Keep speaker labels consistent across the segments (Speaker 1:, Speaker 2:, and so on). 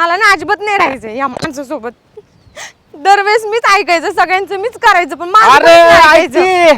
Speaker 1: मला ना अजिबात नाही राहायचं या माणसासोबत. दरवेळेस मीच ऐकायचं, सगळ्यांचं मीच करायचं, पण माझं
Speaker 2: अरे
Speaker 1: कोणीच नाही ऐकायचं.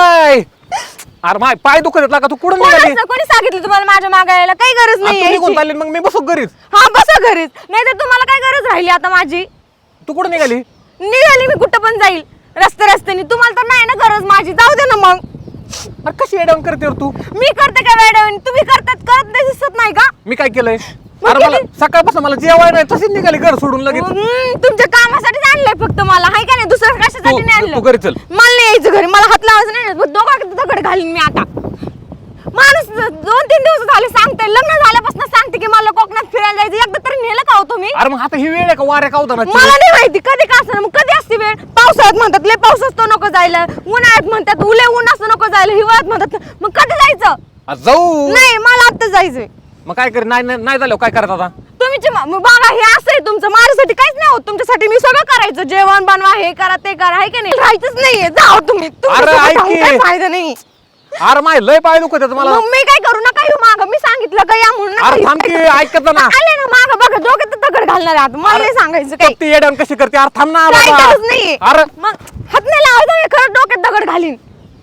Speaker 2: अरे माय पाय दुखत आहेत का तू कुठं निघाली?
Speaker 1: कोणी सांगितलं तुम्हाला माझ्या मागे यायला? काही गरज नाही
Speaker 2: निघून
Speaker 1: यायची.
Speaker 2: चालली मग मी बसू घरीच.
Speaker 1: हा बसा घरीच, नाही तर तुम्हाला काय गरज राहिली आता माझी?
Speaker 2: तू कुठं निघाली?
Speaker 1: निघाली मी कुठं पण जाईल रस्त्याने. तुम्हाला तर नाही ना गरज माझी, जाऊ दे ना मग.
Speaker 2: अरे कशी एडाऊन करते रे तू?
Speaker 1: मी करते काय वेळ? तुम्ही करत नाही दिसत नाही का?
Speaker 2: मी काय केलंय?
Speaker 1: मग
Speaker 2: अरे मला
Speaker 1: किती-
Speaker 2: सकाळपासून मला जेवाय नाही तशीच निघाली घर सोडून लगेच.
Speaker 1: तुमच्या कामासाठी आणलंय फक्त मला, हाय का नाही? दुसरं कशासाठी नाही आणलं?
Speaker 2: तू घरी चल.
Speaker 1: मला नाही यायचं घरी, मला हात लावायचं नाही. दोघं दगड घालीन मी आता. माणूस 2-3 दिवस झाले सांगते, लग्न झाल्यापासून सांगते की मला कोकणात फिरायला जायचं. एकदा तरी नेलं का हो तुम्ही?
Speaker 2: अरे मग आता ही वेळ आहे का वाऱ्या कावतानाची?
Speaker 1: मला नाही माहिती कधी का असं. मग कधी असते वेळ? पावसाळ्यात म्हणतात लय पाऊस असतो नको जायला, उन्हाळ्यात म्हणतात उले ऊन असतो नको जायला, हिवाळ्यात म्हणतात. मग कधी जायचं?
Speaker 2: अरे जाऊ.
Speaker 1: नाही मला आता जायचंय.
Speaker 2: मग काय कर? नाही झालं काय करत आता?
Speaker 1: तुम्ही बघा हे असं आहे तुमचं, माझ्यासाठी काहीच नाही होत. तुमच्यासाठी मी सगळं करायचं, जेवण बनवा, हे करा ते करा, आहे का नाही? राहायचंच नाहीये, जाओ तुम्ही.
Speaker 2: अरे ऐक की.
Speaker 1: काही फायदा नाही.
Speaker 2: अरे माय लय पाय दुखत आहेत मला.
Speaker 1: मग मी काय करू? नका येऊ माग, मी सांगितलं का या म्हणून. नका
Speaker 2: अरे
Speaker 1: येऊ.
Speaker 2: थांब की, ऐकत जा ना.
Speaker 1: आले ना माग बघा, डोक्यात दगड घालणार आहे आता. मला नाही सांगायचं काही.
Speaker 2: ती एडाऊन कशी करते? अरे थांब ना
Speaker 1: काही
Speaker 2: बाबा.
Speaker 1: गरज नाहीये.
Speaker 2: अरे
Speaker 1: मग हात नाही लावायचा, खरं डोक्यात दगड घालीन.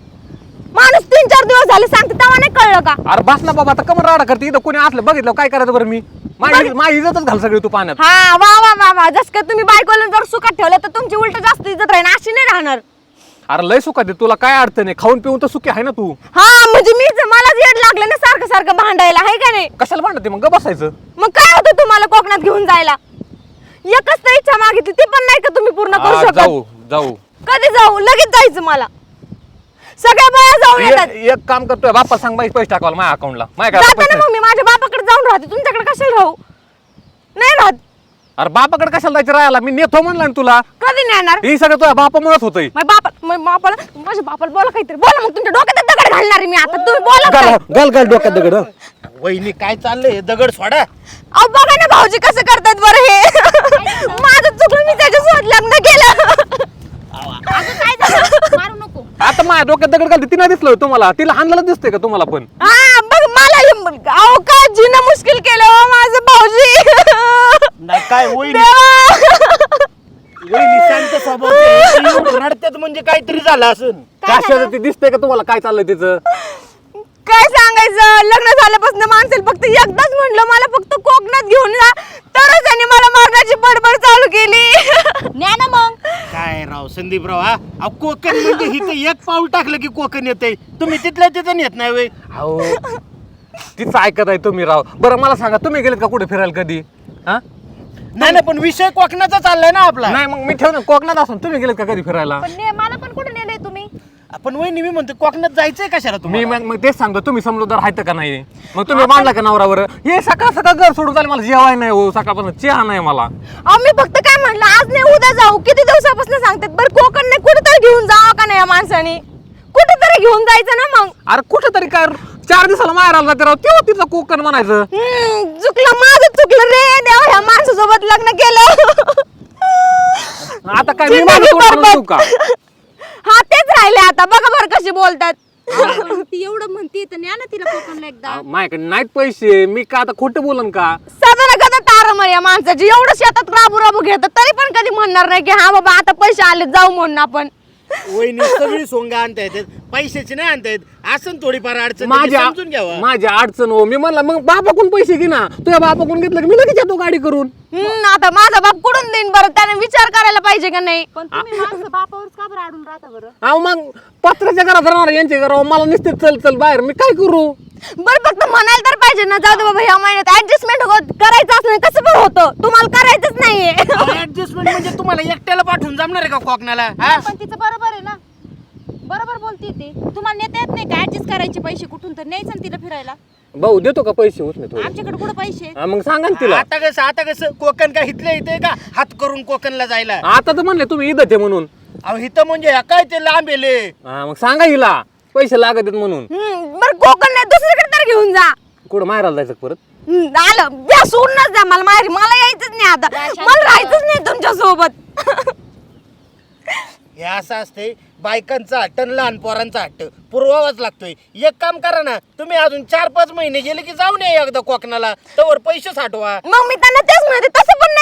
Speaker 1: माणूस 3-4 दिवस झाले सांगते, तेव्हा नाही कळलं का?
Speaker 2: अरे बस ना बाबा, आता कमर राडा करते. इथं कोणी असलं बघितलं काय करायचं बरं? मी माझी इज्जतच घाल सगळी तू पाण्यात.
Speaker 1: हा वा वा वा वा. जस का तुम्ही बायकोला जर सुखात ठेवलं तर तुमची उलट जास्त इज्जत राहील, अशी नाही राहणार.
Speaker 2: अरे लय सुखात आहे, तुला काय अडचण आहे? खाऊन पिऊन तर सुखी आहे ना तू.
Speaker 1: हा म्हणजे मलाच येड लागलं ना सारखं भांडायला, आहे का नाही?
Speaker 2: कशाला भांडते मग? बसायचं.
Speaker 1: मग काय होतं तुम्हाला कोकणात घेऊन जायला? एकच तर इच्छा मागितली, ती पण नाही का तुम्ही पूर्ण करू
Speaker 2: हा,
Speaker 1: शकत?
Speaker 2: जाऊ.
Speaker 1: कधी जाऊ? लगेच जायचं मला. सगळ्या बाया जाऊन येतात.
Speaker 2: एक काम करतोय, बाप्पा सांग बाई पैसे टाकावला माझ्या अकाउंटला. माझ्या
Speaker 1: जाताना
Speaker 2: पैसे
Speaker 1: मग मी माझ्या बापाकडे जाऊन राहते, तुमच्याकडे कशाला राहू? नाही राहत.
Speaker 2: अरे बापाकडे कशाला जायचं राहायला? मी नेतो म्हणलं ना तुला.
Speaker 1: कधी नेणार?
Speaker 2: हे सगळं तुझ्या बापामुळेच होतंय.
Speaker 1: माझ्या बापाला बोला काहीतरी, बोला. मग तुमच्या डोक्यात दगड घालणार आहे मी आता, तुम्ही बोला काय?
Speaker 2: गल डोक्यात दगड.
Speaker 3: वहिनी काय चाललंय? दगड सोडा.
Speaker 1: अहो बघा ना भाऊजी कसं करतात बरं हे. माझं चुकलं, मी त्याच्यासोबत लग्न केलं.
Speaker 4: काय झालं? मारू नको.
Speaker 2: आता माझ्या डोक्यात दगड घालते, ती नाही दिसलं होय तुम्हाला? तिला हाणलेलं दिसतंय का तुम्हाला पण?
Speaker 1: हा बघ मला अहो का जीणं मुश्किल केलं हो माझं भाऊजी.
Speaker 3: नाही काय वहिनी
Speaker 1: देवा.
Speaker 3: वहिनी शांत स्वभाव रडतात म्हणजे काहीतरी झालं असेल.
Speaker 2: कशाचं ते दिसतंय का तुम्हाला काय चाललंय तिचं?
Speaker 1: काय सांगायचं, लग्न झाल्यापासून माणसेल फक्त एकदाच म्हणलं मला फक्त कोकणात घेऊन जा, तरच त्यांनी मला मागायची बडबड चालू केली.
Speaker 4: न्या ना मग.
Speaker 3: काय राव संदीपराव, हा अहो, कोकण म्हणजे हिथं एक पाऊल टाकलं की कोकण येतंय. तुम्ही तिथल्या तिथं येत नाही वय.
Speaker 2: अहो तिचं ऐकत आहे तुम्ही राव. बरं मला सांगा, तुम्ही गेलेत का कुठे फिरायला कधी? हा
Speaker 3: नाही पण विषय कोकणाचा चाललाय ना आपला.
Speaker 2: नाही मग मी ठेव ना, कोकणात असून तुम्ही गेलेत का कधी फिरायला?
Speaker 4: पण मला पण कुठे नेलंय तुम्ही?
Speaker 3: आपण वहिनी मी म्हणतो कोकणात जायचंय कशाला
Speaker 2: मी
Speaker 3: तुम्ही?
Speaker 2: मग तेच सांगतो, तुम्ही समजूदार आहेत का नाही? मग तुम्ही मानला का नवरावर? हे सकाळ घर सोडून चालेल, मला जेवाय नाही हो, सकाळपासून चहा नाही मला.
Speaker 1: अहो मी फक्त काय म्हणलं, आज नाही उद्या जाऊ. किती दिवसापासून सांगतात बरं, कोकण नाही कुठेतरी घेऊन जावं का नाही या माणसाने? कुठेतरी घेऊन जायचं ना मग.
Speaker 2: अरे कुठे तरी काय 4 दिवसाला माहेर आला जाते राव, तेव्हा तिचं कोकण म्हणायचं.
Speaker 1: चुकलं माझं, चुकलं रे देवा, ह्या माणसासोबत लग्न केलं.
Speaker 2: आता काय मी माझं तोंड म्हणून देऊ का?
Speaker 1: हा तेच राहिले आता, बघा बरं कशी बोलतात.
Speaker 4: ती एवढं म्हणते तर न्या ना तिला कोकणला एकदा.
Speaker 2: माझ्याकडे नाहीत पैसे, मी का आता खोटं बोलन का?
Speaker 1: साधारण कदा तारमळ या माणसाची, एवढं शेतात राबू घेतात तरी पण कधी म्हणणार नाही की हा बाबा आता पैसे आले जाऊ म्हणून आपण.
Speaker 3: वहिनी सगळी सोंग आणता येतात, पैशाची नाही आणता येत. असं थोडीफार अडचण आहे, ती समजून घ्यावा.
Speaker 2: माझ्या अडचण हो. मी म्हणलं मग बापाकडून पैसे घे ना. तुझ्या बापाकडून घेतलं की मी लगेच येतो गाडी करून.
Speaker 1: आता माझा बाप कुठून देईन बरं, त्याने विचार करायला पाहिजे का नाही?
Speaker 4: पण तुम्ही माणसं बापावरच का बरं अडून राहता बरं?
Speaker 2: अहो मग पत्राच्या घरात राहणार, यांच्या घरावर मला नुसते चल बाहेर, मी काय करू?
Speaker 1: बरं फक्त म्हणायला तर पाहिजे ना, जाऊ दे बाबा ह्या महिन्यात ऍडजस्टमेंट करायचं असलं कसं पण होतं, तुम्हाला करायचंच नाहीये.
Speaker 3: ऍडजस्टमेंट म्हणजे तुम्हाला एकट्याला पाठवून जमणार आहे का कोकणाला? हा?
Speaker 4: पण तिचं बरोबर आहे ना, बरोबर बोलते ती. तुम्हाला नेता येत नाही का ऍडजस्ट करायचे पैसे कुठून तर न्यायचं ना तिला फिरायला?
Speaker 2: भाऊ देतो का पैसे? होत नाही
Speaker 4: आमच्याकडे कुठं पैसे?
Speaker 2: मग सांगा ना तिला.
Speaker 3: आता कसं कोकण का हिथलं इथे का हात करून कोकणला जायला?
Speaker 2: आता तर म्हणले तुम्ही इथं ते म्हणून.
Speaker 3: अहो हिथं म्हणजे ह्या काय ते लांब येले.
Speaker 2: हा मग सांगा हिला पैसे लागत आहेत म्हणून.
Speaker 1: बरं कोकण नाही दुसरीकडे तर घेऊन जा.
Speaker 2: कुठं माहेराला जायचं परत?
Speaker 1: आलं द्या, सोडूनच द्या मला माहेरी, मला यायचंच नाही आता, मला राहायचंच नाही तुमच्या सोबत.
Speaker 3: हे असं असते, बायकांचा हट्ट आणि लहान पोरांचा हट्ट पुरवावाच लागतोय. एक काम करा ना, तुम्ही अजून 4-5 महिने गेले की जाऊन या एकदा कोकणाला, तवर पैसे साठवा.
Speaker 1: मग मी त्यांना तेच म्हणते, तसं पण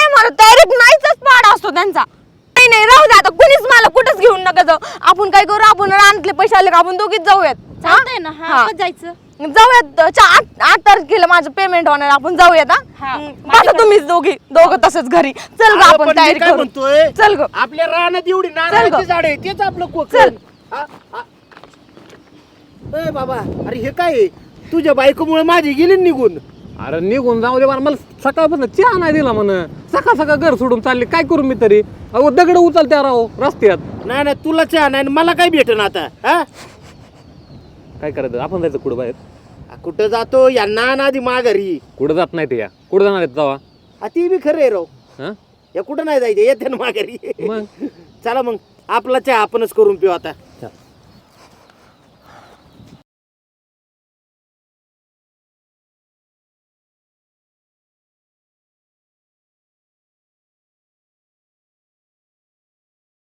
Speaker 1: नका जाऊ. आपण काय करू, आपण रानातले पैसे आले का आपण दोघीच जाऊयात.
Speaker 4: चालतंय ना
Speaker 1: हा.
Speaker 4: हा कधी जायचं
Speaker 1: जाऊयात 8 तारखेला माझं पेमेंट होणार, आपण जाऊयात.
Speaker 4: हा.
Speaker 1: बसा तुम्हीच दोघं तसंच घरी. चल ग
Speaker 3: अरे
Speaker 1: आपण
Speaker 3: पण मी
Speaker 1: तयारी
Speaker 3: काय
Speaker 1: करू.
Speaker 3: म्हणतोय
Speaker 1: चल ग.
Speaker 3: आपल्या रानात एवढी नारळाची झाड आहे तेच आपलं कोकण.
Speaker 1: चल.
Speaker 3: ए बाबा अरे हे काय आहे? तुझ्या बायकोमुळे माझी गेली निघून.
Speaker 2: अरे निघून जाऊ दे मला सकाळपासून चहा नाही दिला म्हण. सकाळ घर सोडून चालले, काय करू मी तरी. अहो दगड उचलत्या राव रस्त्यात.
Speaker 3: नाही नाही तुला चहा नाही मला काय भेटन आता. हा
Speaker 2: काय करायचं, आपण जायचं कुठं बाहेर.
Speaker 3: कुठं जातो यांना ना आधी माघारी.
Speaker 2: कुठं जात नाही ते, या कुठं जाणार आहेत जावा.
Speaker 3: ती बी खरं आहे राव.
Speaker 2: हा
Speaker 3: या कुठं नाही जायचं येते ना माघारी.
Speaker 2: मग
Speaker 3: चला मग आपला चहा आपणच करून पिऊ आता.